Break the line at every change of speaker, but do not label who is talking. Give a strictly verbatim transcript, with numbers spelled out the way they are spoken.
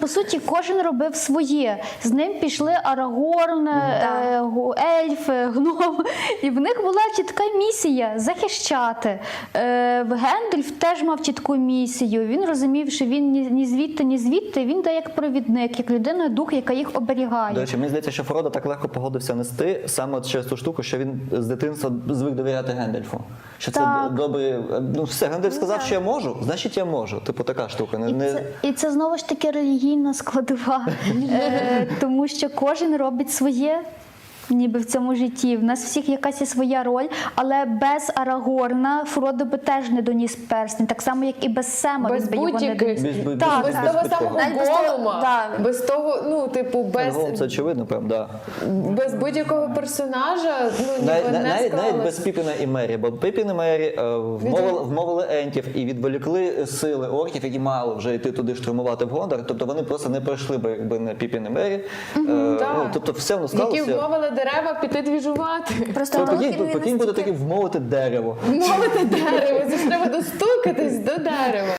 по суті, кожен робив своє. З ним пішли Арагорн, е, гу- ельфи, гном. І в них була чітка місія – захищати. Е, Гендальф теж мав чітку місію. Він розумів, що він ні, ні звідти, ні звідти. Він дає як провідник, як людина-дух, яка їх оберігає.
До речі, мені здається, що Фродо так легко погодився нести саме от через ту штуку, що він з дитинства звик довіряти Гендальфу. Що це
Так.
добре. Ну все, Гендальф сказав, що я можу, значить я можу. Типу така штука. Не,
І
не...
це, і це знову ж таки релігійна складова, е, тому що кожен робить своє. Ніби в цьому житті. В нас всіх якась є своя роль, але без Арагорна Фродо би теж не доніс перстень, так само, як і без Сема
Без
він би його не
будь-яких-
доніс.
Без, без,
Так,
без,
Без
без
того
питкого.
самого
Навіть без того-
голума,
да.
без того, ну, типу, без,
Голум, це очевидно, прям, да.
без будь-якого персонажа, ну, ніби
Навіть,
не
навіть, навіть без
склалось.
Піпіна і Мері, бо Піпін і Мері е, вмовили, вмовили ентів і відволікли сили орків, які мали вже йти туди штурмувати в Гондор. Тобто вони просто не пройшли би, якби не Піпін і Мері. Е, ну,
так.
тобто все воно
Які
склалося.
вмовили дерева піти двіжувати.
Просто
Тобто,
Толкін,
Прикинь,
він
прикинь буде
настільки-
таки вмовити дерево.
Мовити дерево, це ж треба достукатись до дерева.